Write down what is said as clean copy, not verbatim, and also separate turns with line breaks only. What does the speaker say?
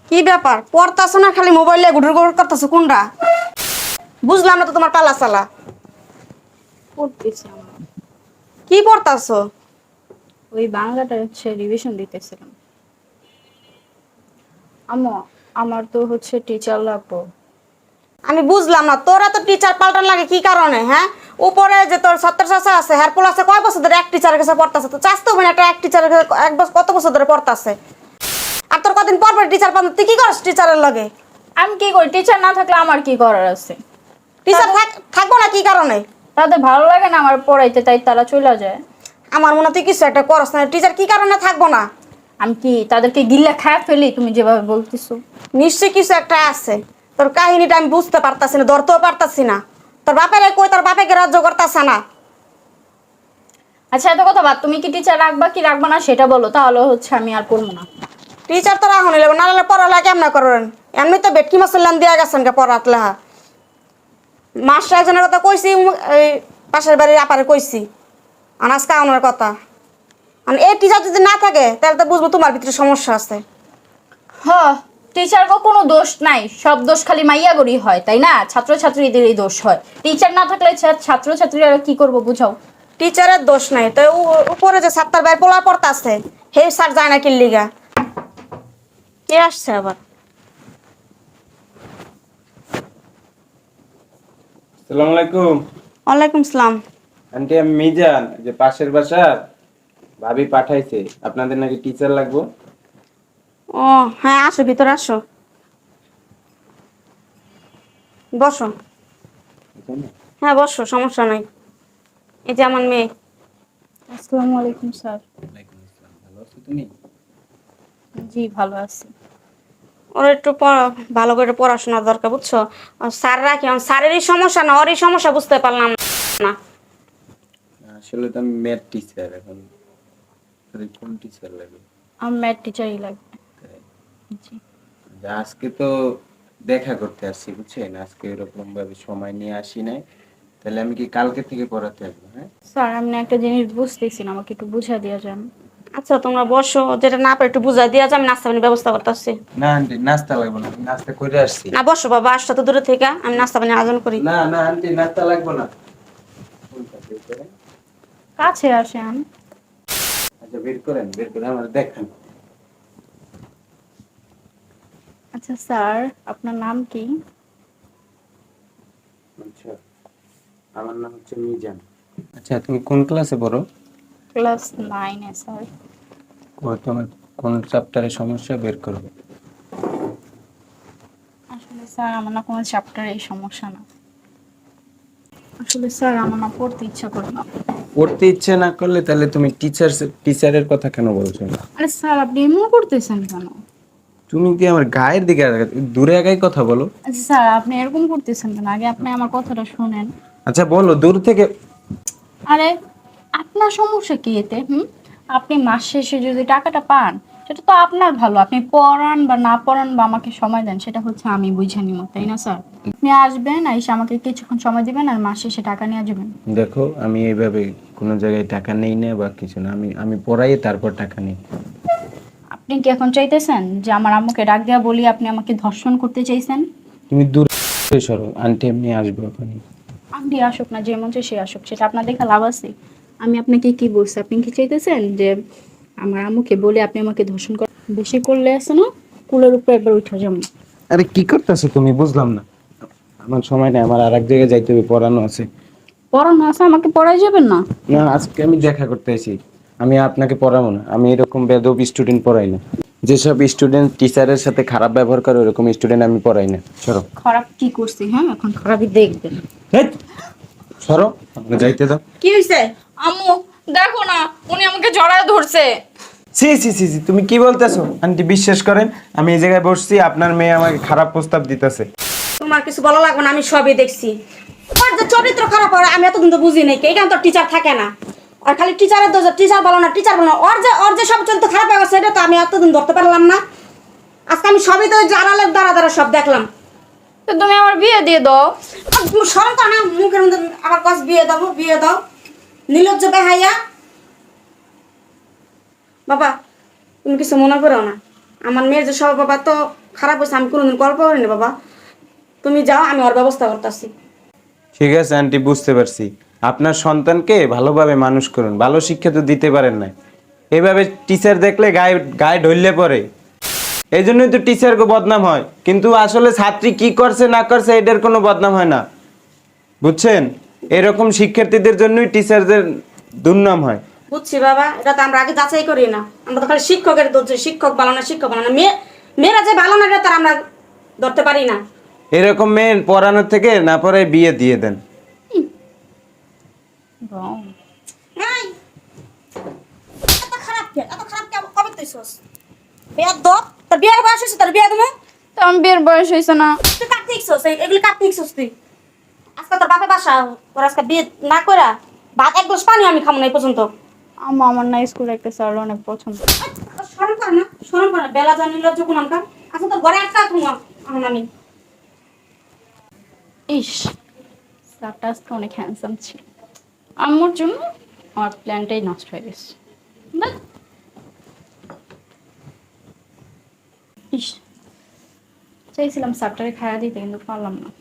কি ব্যাপার পড়তাছ না খালি মোবাইলে গুড়ুর গুড় করতেছ কোনটা বুঝলাম না তো তোমার পালা চালা
পড়তেছি আমরা।
কি পড়তাছ
ওই বাংলাটা হচ্ছে রিভিশন দিতেছিলাম। আম্মু, আমার তো হচ্ছে টিচার লাগবো।
আমি বুঝলাম না তোরা তো টিচার পাল্টান লাগে কি কারণে হ্যাঁ উপরে যে তোর সত্তর চাষা আছে হেয়ার পোল আছে কয় বছর ধরে এক টিচারের কাছে পড়তাছে তো চাস্তো মানে একটা এক টিচারের এক বছর কত বছর ধরে পড়তাছে আর তোর কদিন পর পর টিচার পান তুই কি করিস টিচারের লগে
আমি কি করি? টিচার না থাকলে আমার কি করার আছে?
টিচার থাকবো না কি কারণে
তাদের ভালো লাগে না আমার পড়াইতে, তাই তারা চলে যায়।
আমার মনে হয় তুই কিছু একটা করস না টিচার কি কারণে থাকবো না
আমি কি তাদেরকে গিল্লা খায় ফেলি? তুমি যেভাবে বলতেছো।
নিশ্চয়ই কিছু একটা আছে তোর কাহিনীটা আমি বুঝতে পারতাছি না ধরতেও পারতাছি না তোর বাপের কই তোর বাপেকে রাজ্য করতাছে না
আচ্ছা, এত কথা বাদ, তুমি কি টিচার রাখবা কি রাখবা না সেটা বলো, তাহলে হচ্ছে আমি আর পড়বো না।
টিচার তো রাখুন না হলে পড়ালেখা কেমন করবেন এমনি তো বেটকি মাসাল্লাম দিয়া গেছেন কে পড়াত লেহা মাস্টার একজনের কথা কইছি এই পাশের বাড়ির আপারে কইছি আনাজ কাউনের কথা আর এই টিচার যদি না থাকে তাহলে তো বুঝবো তোমার ভিতরে সমস্যা আছে
হ, টিচার কোনো দোষ নাই, সব দোষ খালি মাইয়া গড়ি হয়, তাই না? ছাত্রছাত্রীদেরই দোষ হয়। টিচার না থাকলে ছাত্রছাত্রীরা কি করবো বুঝাও।
টিচারের দোষ নাই তো উপরে যে সাতটার বাইরে পোলা পড়তাছে হে স্যার যায় না কিল্লিগা কে আসছে আবার
আসসালামু আলাইকুম।
ওয়ালাইকুম সালাম
আন্টি, আমি মিজান, যে পাশের বাসার ভাবি পাঠাইছে আপনাদের নাকি টিচার লাগবে।
ও হ্যাঁ আসো ভিতরে আসো বসো হ্যাঁ বসো সমস্যা নাই এই যে আমার মেয়ে
আসসালামু আলাইকুম স্যার।
ভালো আছো তুমি?
জি ভালো আছি।
ওর একটু ভালো করে পড়াশোনা দরকার বুঝছো স্যার রাখি স্যারেরই সমস্যা না ওরই সমস্যা বুঝতে পারলাম না
আসলে তো আমি ম্যাথ টিচার, এখন কোন টিচার লাগবে?
আমার ম্যাথ টিচারই লাগবে। জি।
আজকে তো দেখা করতে আসছি বুঝছেন, আজকে এরকম ভাবে সময় নিয়ে আসি নাই, তাহলে আমি কি কালকে থেকে পড়াতে আসবো? হ্যাঁ
স্যার, আমি না একটা জিনিস বুঝতেছি না, আমাকে একটু বুঝা দেওয়া যান।
আচ্ছা তোমরা বসো যেটা না পারে একটু বুঝাই দিয়া আমি নাস্তা পানির ব্যবস্থা করতেছি
না আন্টি, নাস্তা লাগবে না, আমি নাস্তা করে আসছি।
না বসো বাবা আসছো তো দূরে থেকে আমি নাস্তা পানি আয়োজন করি
না না আন্টি, নাস্তা লাগবে না।
কাছে আসেন।
আচ্ছা বের করেন, বের করে আমার দেখান।
আচ্ছা স্যার, আপনার নাম কি?
আচ্ছা, আমার নাম হচ্ছে মিজান। আচ্ছা তুমি কোন ক্লাসে পড়ো?
ক্লাস 9-এ স্যার।
তোমার কোন চ্যাপ্টারে সমস্যা বের করো।
আসলে স্যার আমার না কোনো চ্যাপ্টারে এই সমস্যা না। আসলে স্যার আমার না পড়তে ইচ্ছা করে না।
পড়তে ইচ্ছে না করলে তাহলে তুমি টিচারের কথা কেন বলছো না?
আরে স্যার, আপনি এমন করতেছেন কেন?
তুমি কি আমার গায়ের দিকে দূরে আগাই কথা বলো?
আচ্ছা স্যার, আপনি এরকম করতেছেন কেন? আগে আপনি আমার কথাটা শুনেন।
আচ্ছা বলো দূর থেকে।
আরে, আপনার সমস্যা কি এতে? আপনি মাস শেষে যদি টাকাটা পান, সেটা তো আপনার ভালো। আপনি পড়ান বা না পড়ান বা আমাকে সময় দেন, সেটা হচ্ছে আমি বুঝে নিব, তাই না স্যার? আপনি আসবেন, এসে আমাকে কিছুক্ষণ সময় দিবেন আর মাস শেষে টাকা নিয়ে যাবেন।
দেখো আমি এইভাবে কোনো জায়গায় টাকা নেই না বা কিছু না, আমি আমি পড়াই তারপর টাকা নিই।
আপনি কি এখন চাইতেছেন যে আমার আম্মুকে ডাক দেওয়া বলি আপনি আমাকে ধর্ষণ করতে চাইছেন?
তুমি দূরে সরো, আন্টি এমনি আসবে ওখানে।
আপনি আসুক না, যে মন চায় সে আসুক, সেটা আপনার দেখা লাভ আছে? আমি আপনাকে কি বলছি? আপনি কি চাইতেছেন যে আমার আম্মুকে বলে আপনি আমাকে ধর্ষণ করেন? বেশি করলে আছে না, কুলের উপর একবার উঠে যাবো।
আরে কি করতেছো তুমি, বুঝলাম না। আমার সময় নেই, আমার আরেক জায়গায় যাইতে হবে, পড়ানো আছে।
পড়ানো আছে, আমাকে পড়াই যাবেন না?
না আজকে আমি দেখা করতে এসেছি, আমি আপনাকে পড়াবো না, আমি এরকম বেদব স্টুডেন্ট পড়াই না। যেসব স্টুডেন্ট টিচারের সাথে খারাপ ব্যবহার করে ওরকম স্টুডেন্ট আমি পড়াই না। সরো।
খারাপ কি করছি? হ্যাঁ, এখন খারাপই দেখবেন।
হেৎ, সরো, আপনি যাইতে দাও।
কি হয়েছে
আম্মু দেখো না, উনি আমাকে জড়ায় ধরছে।
সি সি সি সি, তুমি কি বলতেছো আন্টি? বিশ্বাস করেন আমি এই জায়গায় বসছি, আপনার মেয়ে আমাকে খারাপ প্রস্তাব দিতেছে।
তোমার কিছু বলা লাগবে না আমি সবই দেখছি ওর যে চরিত্র খারাপ হয় আমি এতদিন তো বুঝি নাই এখানে তো টিচার থাকে না আর খালি টিচারের দোষ টিচার বলো না টিচার বলো না ওর যে সব চরিত্র খারাপ হয়ে গেছে সেটা তো আমি এতদিন ধরতে পারলাম না আজকে আমি সবই তো জানালের দ্বারা দ্বারা সব দেখলাম
তো তুমি আমার বিয়ে দিয়ে দাও।
সরম তো না মুখের মধ্যে আবার কাজ বিয়ে দাও নির্লজ্জ বেহাইয়া বাবা তুমি কিছু মনে করো না আমার মেয়ের যে স্বভাব বাবা তো খারাপ হয়েছে, আমি কোনোদিন গল্প করিনি বাবা। তুমি যাও, আমি ওর ব্যবস্থা করতেছি।
ঠিক আছে আন্টি, বুঝতে পারছি। আপনার সন্তানকে ভালোভাবে মানুষ করুন, ভালো শিক্ষা তো দিতে পারেন না। এভাবে টিচার দেখলে গায়ে গায়ে ঢললে পড়ে, এই জন্যই তো টিচারকে বদনাম হয়, কিন্তু আসলে ছাত্রী কি করছে না করছে এটার কোনো বদনাম হয় না, বুঝছেন? এরকম শিক্ষার্থীদের জন্যই টিচারদের দুর্নাম হয়।
বুঝছি বাবা, এটা তো আমরা আগে যাচাই করি না, আমরা তো খালি শিক্ষকের ধরছি, শিক্ষক ভালো না, শিক্ষক ভালো না। মেয়েরা যে ভালো না এটা তার আমরা ধরতে পারি না।
এরকম মেয়ে পড়ানোর থেকে না পড়ে বিয়ে দিয়ে দেন।
Wrong.
এই, এত খারাপ কে? এত খারাপ কে? কবে তুইছস? বিয়ার দর, তোর বিয়ের বয়স হয়েছে, তোর বিয়ে দেবো।
তো আমার বিয়ের বয়স হয়েছে না।
তুই কাটতে ইচ্ছস, এগুলি কাটতে ইচ্ছস তুই। আজকে তোর বাপে বাসা, তোর আজকে বিয়ে না করা ভাত এক গ্লাস পানি আমি খাবো না এই পর্যন্ত।
আম্মা আমার না স্কুলে একটা স্যার অনেক পছন্দ।
শরম করে না, শরম করে না, বেলা জানিল যখন আমকার। আচ্ছা তোর ঘরে একটা ঘুমা এখন আমি।
ইস, স্যারটা আজকে অনেক হ্যান্ডসাম ছিল। আম্মুর জন্য আমার প্ল্যানটাই নষ্ট হয়ে গেছে। বাহ। ইস, চাইছিলাম স্যারটারে খাইয়া দিতে, কিন্তু পারলাম না।